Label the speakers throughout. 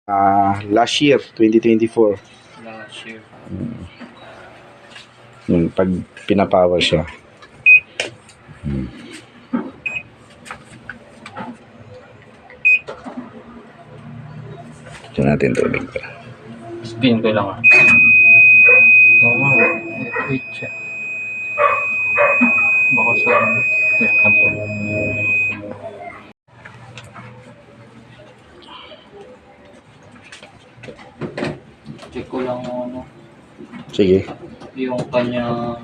Speaker 1: Last year, 2024.
Speaker 2: Last year.
Speaker 1: Yung pag pinapower siya. Ito natin tubig pa.
Speaker 2: Spin ko lang. Oo, wait siya. Baka sa ano. Wait lang po. Check ko lang ano.
Speaker 1: Sige.
Speaker 2: Yung kanya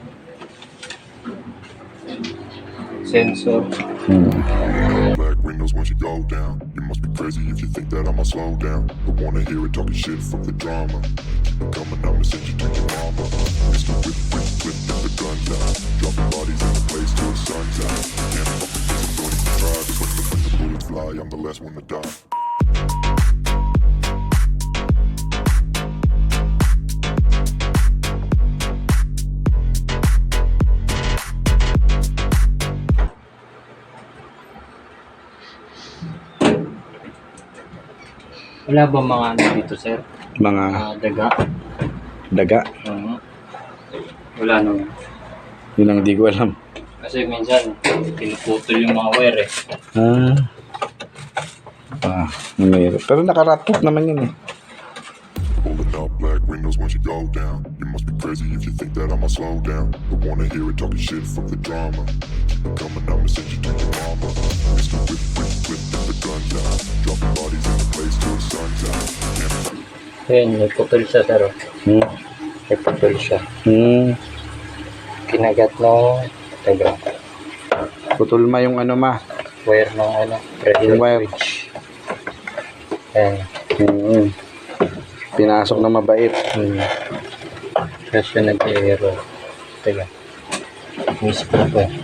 Speaker 2: sensor.
Speaker 3: Black windows once you go down. You must be crazy if you think that I'ma slow down. But wanna hear it talking shit from the drama. Keep it coming, I'ma send you to your mama. Mr. Whip, whip, whip, get the gun down. Dropping bodies in the place till the sun's out. Can't fuck with this, don't even try. Cause when the bullets fly, I'm the last one to die.
Speaker 2: Wala ba mga ano dito, sir?
Speaker 1: Mga
Speaker 2: Daga?
Speaker 1: daga.
Speaker 2: Wala naman.
Speaker 1: Yun ang di ko alam.
Speaker 2: Kasi minsan, pinuputol yung mga wire eh.
Speaker 1: Mayroon. Pero nakaratop naman yun eh.
Speaker 3: Pulling up black windows once you go down. You must be crazy if you think that I'ma slow down. But wanna hear it talking shit from the drama. Keep it coming, I'ma send you to your mama. Mr. Whip, whip, whip, get the gun down. Dropping bodies in the place till the sun's out.
Speaker 2: Ayun, may putol siya, sir. May putol siya. Kinagat ng daga.
Speaker 1: Putol ma yung ano ma.
Speaker 2: Wire ng ano, radio
Speaker 1: Yung wire.
Speaker 2: switch. Ayan.
Speaker 1: Pinasok na mabait.
Speaker 2: Kasi nag-aero. Teka. Mismo ko eh.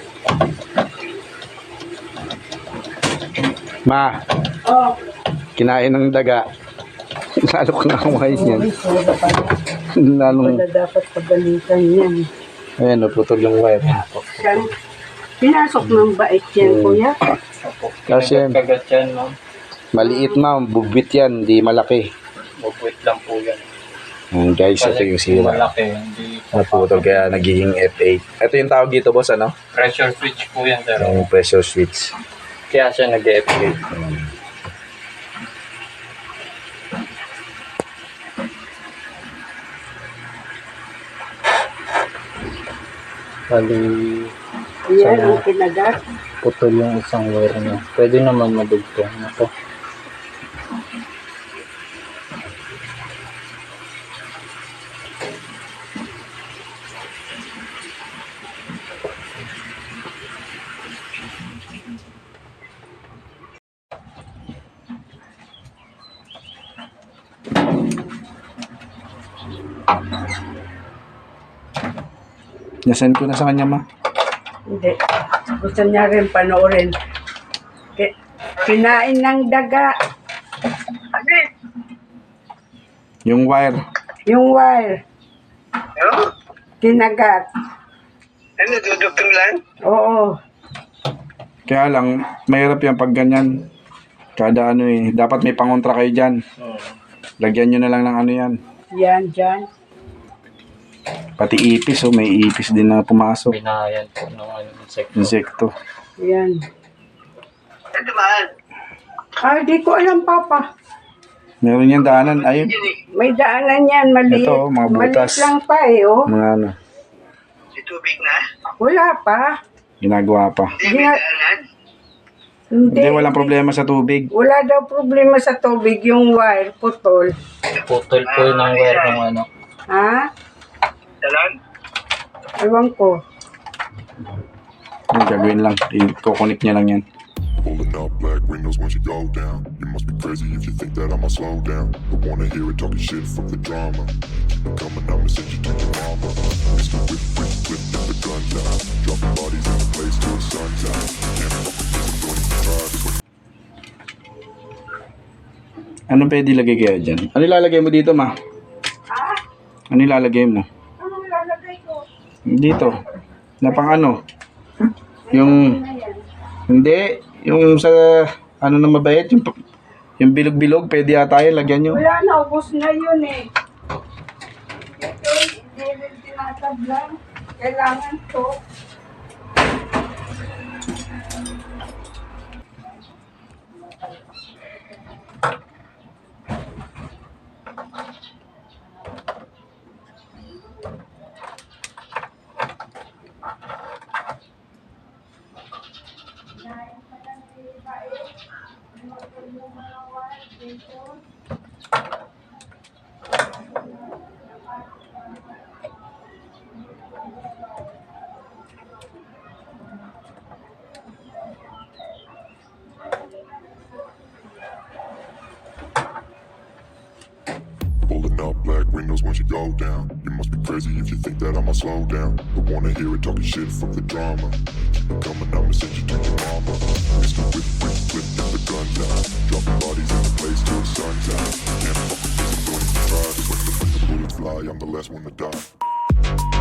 Speaker 1: Ma, kinain ng daga. Lalo ko na kumain yan. Lalong,
Speaker 4: Wala dapat pagalitan yan.
Speaker 1: ayan, putol yung wire.
Speaker 4: Yan. Pinasok ng bait yan, kuya.
Speaker 1: Kasi
Speaker 2: Kagat yan, ma'am.
Speaker 1: maliit ma, bubit yan, di malaki.
Speaker 2: Bubwit lang po yan.
Speaker 1: Guys, ito yung
Speaker 2: Kasi
Speaker 1: sira.
Speaker 2: malaki, hindi
Speaker 1: Naputol kaya nagiging F8. Ito yung tawag dito boss, ano?
Speaker 2: pressure switch po yan, sir.
Speaker 1: Yung pressure switch.
Speaker 2: Kaya siya nag-e-upgrade. Bali,
Speaker 4: Yan ang kinagat.
Speaker 2: putol yung isang wire niya. Pwede naman madugtong. Ito.
Speaker 1: Nasend ko na sa kanya ma.
Speaker 4: Hindi. Gusto niya rin panoorin. Kinain ng daga.
Speaker 1: Yung wire.
Speaker 4: Yung wire. Kinagat.
Speaker 5: Ano, dudugtong lang?
Speaker 4: Oo.
Speaker 1: Kaya lang, mahirap yan pag ganyan. Kada ano eh. Dapat may pangontra kayo dyan. Lagyan nyo na lang ng ano yan.
Speaker 4: Yan, dyan.
Speaker 1: Pati ipis, oh, may ipis din na pumasok.
Speaker 2: Binayan po ng ano, insect.
Speaker 1: Insekto.
Speaker 4: Yan.
Speaker 5: Ito mahal.
Speaker 4: Di ko alam, Papa.
Speaker 1: Meron yan daanan. Ayun.
Speaker 4: May daanan yan, maliit.
Speaker 1: Ito, mga butas.
Speaker 4: Maliit lang pa eh, oh.
Speaker 1: Mga ano.
Speaker 5: Si tubig na?
Speaker 4: Wala pa.
Speaker 1: Ginagawa pa.
Speaker 5: Hindi may daanan?
Speaker 1: Hindi, walang problema sa tubig.
Speaker 4: Wala daw problema sa tubig, yung wire, putol.
Speaker 2: Putol po yun ng wire ng ano.
Speaker 4: Ha?
Speaker 5: Salon?
Speaker 4: Ewan ko.
Speaker 1: Yung gagawin lang. I-connect niya lang yan.
Speaker 3: Pulling up black windows once you go down. You must be crazy if you think that I'ma slow down. But wanna hear it talking shit from the drama. Keep it coming, I'ma send you to your mama. Mr. Whip, whip, whip, get the gun down. Dropping bodies in the place till the sun's out. Can't fuck with this, don't even try. Cause when
Speaker 1: Anong pwede ilagay kaya dyan? Ano ilalagay mo dito, ma? Ano ilalagay mo?
Speaker 4: Anong lalagay ko?
Speaker 1: Dito. Na pang ano? Yung... Hindi. Yung sa... Ano na mabait? Yung Yung bilog-bilog, pwede yata yun, lagyan nyo.
Speaker 4: Wala na, ubos na yun eh. Ito, hindi rin tinatablan. Kailangan to.
Speaker 3: Pulling up black windows once you go down. You must be crazy if you think that I'ma slow down. Don't wanna hear it talking shit from the drama. Keep it coming, I'ma send you to your mama. Mr. Whip, whip, whip, get the gun down. Dropping bodies in the place till the sun's out. Can't fuck with this, I'm going to try. Cause when the bullets fly, I'm the last one to die.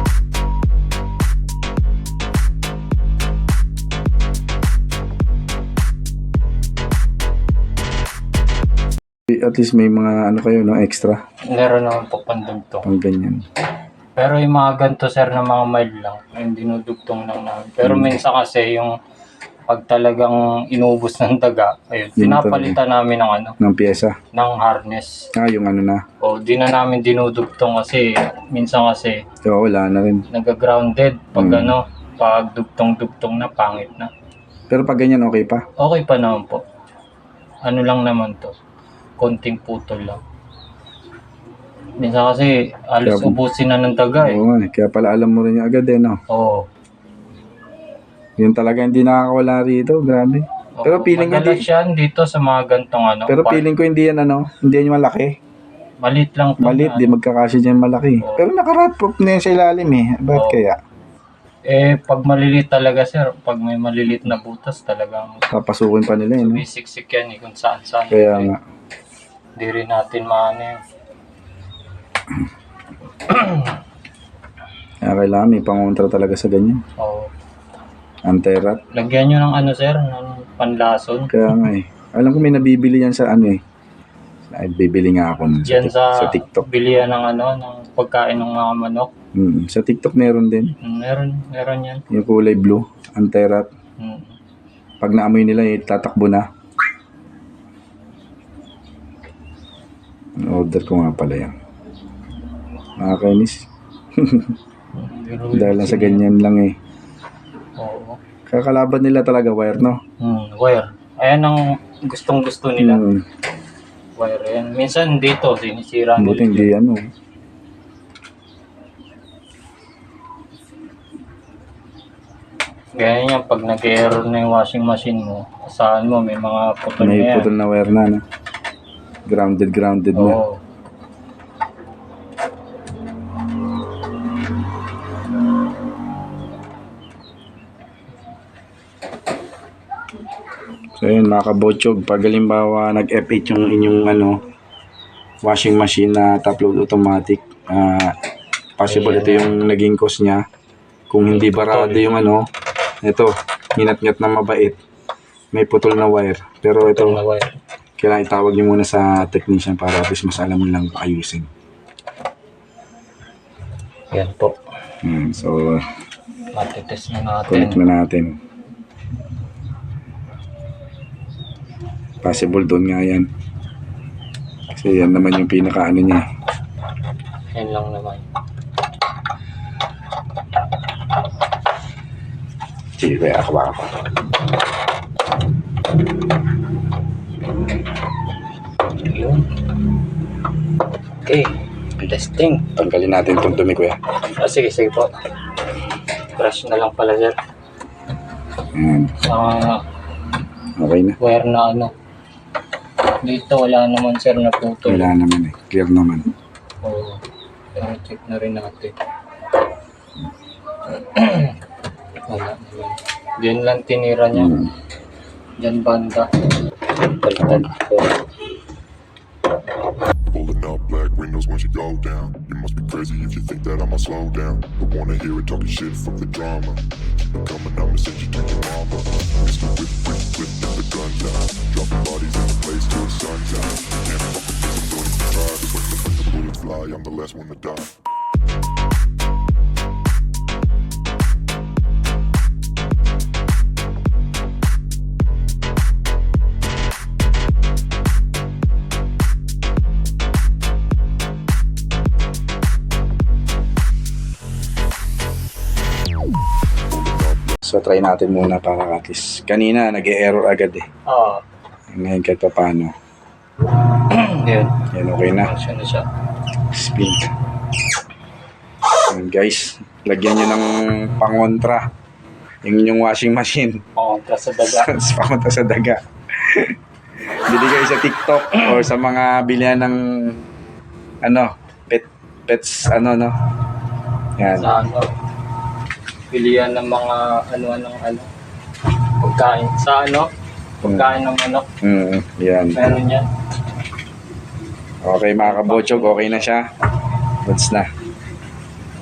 Speaker 1: At least may mga ano kayo, no, extra.
Speaker 2: Meron naman po pandugtong.
Speaker 1: Pang ganyan.
Speaker 2: Pero yung mga ganito sir na mga mild lang, yung dinudugtong lang namin. Pero minsan kasi yung pag talagang inubos ng daga, ayun,
Speaker 1: Yun
Speaker 2: pinapalitan namin ng ano,
Speaker 1: Ng pyesa.
Speaker 2: ng harness.
Speaker 1: Yung ano na.
Speaker 2: O di na namin dinudugtong kasi minsan kasi
Speaker 1: Oo, wala na rin.
Speaker 2: nag-grounded pag ano, pag dugtong-dugtong na pangit na.
Speaker 1: Pero pag ganyan, okay pa.
Speaker 2: Okay pa naman po. Ano lang naman to, konting putol lang. Minsan kasi alos
Speaker 1: Kaya-
Speaker 2: ubusin na ng daga eh.
Speaker 1: Oo nga, kaya pala alam mo rin yung agad no?
Speaker 2: Oo.
Speaker 1: Yun talaga hindi nakakawala rito, grabe. Pero feeling ko
Speaker 2: madalas
Speaker 1: hindi,
Speaker 2: yan dito sa mga gantong ano.
Speaker 1: pero feeling ko hindi yan hindi yan malaki.
Speaker 2: Malit lang to.
Speaker 1: Malit,
Speaker 2: na,
Speaker 1: di magkakasya dyan malaki.
Speaker 2: Oo.
Speaker 1: Pero naka-rotproof na yan sa ilalim eh. Bakit
Speaker 2: Oo.
Speaker 1: kaya?
Speaker 2: pag malilit talaga sir, pag may malilit na butas talagang
Speaker 1: Papasukin pa nila yun. No?
Speaker 2: sumisiksik yan eh kung saan saan.
Speaker 1: Kaya nga.
Speaker 2: Hindi rin natin maano yun.
Speaker 1: Kaya kailangan may pangontra talaga sa ganyan.
Speaker 2: Oo.
Speaker 1: Anterat.
Speaker 2: Lagyan nyo ng ano sir, ng panlason.
Speaker 1: Kaya nga eh. Alam ko may nabibili yan sa ano eh. Ay, bibili nga ako nun
Speaker 2: Diyan sa
Speaker 1: TikTok.
Speaker 2: bilihan ng ano, ng pagkain ng mga manok.
Speaker 1: Sa TikTok meron din.
Speaker 2: Meron yan.
Speaker 1: Yung kulay blue. Anterat.
Speaker 2: Mm.
Speaker 1: Pag naamoy nila eh, tatakbo na. Order ko nga pala yan. Nakakainis.
Speaker 2: Pero
Speaker 1: Dahil lang sa ganyan lang eh.
Speaker 2: Oo.
Speaker 1: Kakalaban nila talaga wire, no?
Speaker 2: Wire. Ayan ang gustong gusto nila.
Speaker 1: Hmm.
Speaker 2: Wire yan. Minsan dito, sinisira
Speaker 1: Buti
Speaker 2: nila.
Speaker 1: hindi ano.
Speaker 2: Ganyan yan, pag nag-error na yung washing machine mo, asahan mo, may mga putol na
Speaker 1: May
Speaker 2: yan.
Speaker 1: putol na wire na, no? Grounded na.
Speaker 2: Oo.
Speaker 1: So yun, mga kabotsog, pag halimbawa nag-F8 yung inyong washing machine na top load automatic, possible ito yung naging cause niya. Kung hindi barado yung ito, hinat-ngat na mabait, may putol na wire. Pero ito,
Speaker 2: Putol na wire.
Speaker 1: kailangan itawag niyo muna sa technician para at least mas alam mo lang ayusin.
Speaker 2: Yan po.
Speaker 1: So,
Speaker 2: Matitest na
Speaker 1: connect
Speaker 2: natin.
Speaker 1: na natin. Possible doon nga yan. Kasi yan naman yung pinaka niya.
Speaker 2: Yan lang naman.
Speaker 1: Sige, kaya ako baka pa.
Speaker 2: Yun. Okay. Testing.
Speaker 1: Tanggalin natin itong dumi, kuya.
Speaker 2: Sige po. Brush na lang pala sir.
Speaker 1: Ayan. Okay na.
Speaker 2: Wire na ano. Dito wala naman sir na putol.
Speaker 1: Wala naman eh. Clear naman.
Speaker 2: Oo. Pero check na rin natin. Wala naman. Diyan lang tinira niya. Diyan banda. Baliktad ko.
Speaker 3: Pulling up black windows once you go down. You must be crazy if you think that I'ma slow down. Don't wanna hear it talking shit from the drama. Keep it coming, I'ma send you to your mama. Mr. Whip, whip, whip, get the guns out. Dropping bodies in the place till the sun's out. Can't fuck with this, I'm going to try. Cause when the bullets fly, I'm the last one to die.
Speaker 1: So try natin muna para at least. Kanina nag-error agad eh.
Speaker 2: Oo.
Speaker 1: Ngayon kahit pa paano.
Speaker 2: Yun.
Speaker 1: Yan, okay na.
Speaker 2: Function na siya.
Speaker 1: Spin. Yan, guys, lagyan nyo ng pangontra yung inyong washing machine.
Speaker 2: Pangontra sa daga.
Speaker 1: Pangontra sa daga. Bili kayo sa TikTok or sa mga bilihan ng pets no. Yan.
Speaker 2: Sa pilihan ng mga pagkain. Sa pagkain ng manok.
Speaker 1: Yan.
Speaker 2: Meron yan.
Speaker 1: Okay mga kabotsog, okay na siya. Goods na.